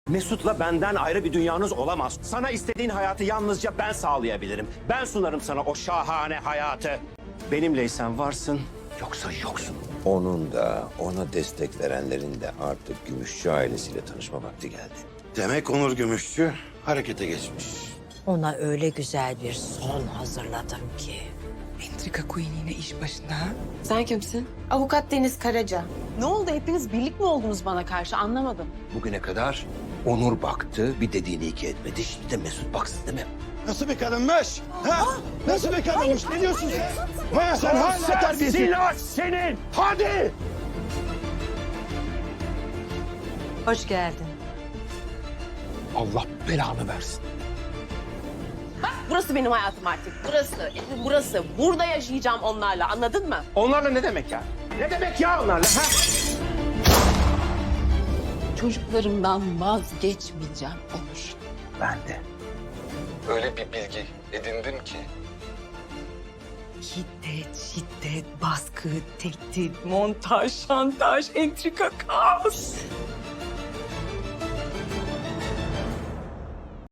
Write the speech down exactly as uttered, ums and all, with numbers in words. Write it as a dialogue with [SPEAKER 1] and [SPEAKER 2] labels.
[SPEAKER 1] Mesut'la benden ayrı bir dünyanız olamaz. Sana istediğin hayatı yalnızca ben sağlayabilirim. Ben sunarım sana o şahane hayatı. Benimleysen varsın, yoksa yoksun.
[SPEAKER 2] Onun da ona destek verenlerin de artık Gümüşçü ailesiyle tanışma vakti geldi.
[SPEAKER 3] Demek Onur Gümüşçü harekete geçmiş.
[SPEAKER 4] Ona öyle güzel bir son hazırladım ki.
[SPEAKER 5] Entrika Queen yine iş başında. Ha?
[SPEAKER 6] Sen kimsin? Avukat Deniz Karaca. Ne oldu? Hepiniz birlik mi oldunuz bana karşı? Anlamadım.
[SPEAKER 2] Bugüne kadar Onur baktı, bir dediğini iki etmedi. Şimdi de Mesut baksın değil mi?
[SPEAKER 3] Nasıl bir kadınmış? Ha? Nasıl bir kadınmış? Ne diyorsun sen? Ha, sen hala terbiyesiz.
[SPEAKER 1] Silah senin! Hadi!
[SPEAKER 4] Hoş geldin.
[SPEAKER 2] Allah belanı versin.
[SPEAKER 6] Burası benim hayatım artık. Burası, evim burası. Burada yaşayacağım onlarla. Anladın mı?
[SPEAKER 1] Onlarla ne demek ya? Ne demek ya onlarla? Ha?
[SPEAKER 6] Çocuklarımdan vazgeçmeyeceğim Onur.
[SPEAKER 1] Ben de.
[SPEAKER 7] Öyle bir bilgi edindim ki
[SPEAKER 5] Şiddet, şiddet, baskı, tehdit, montaj, şantaj, entrika, kaos.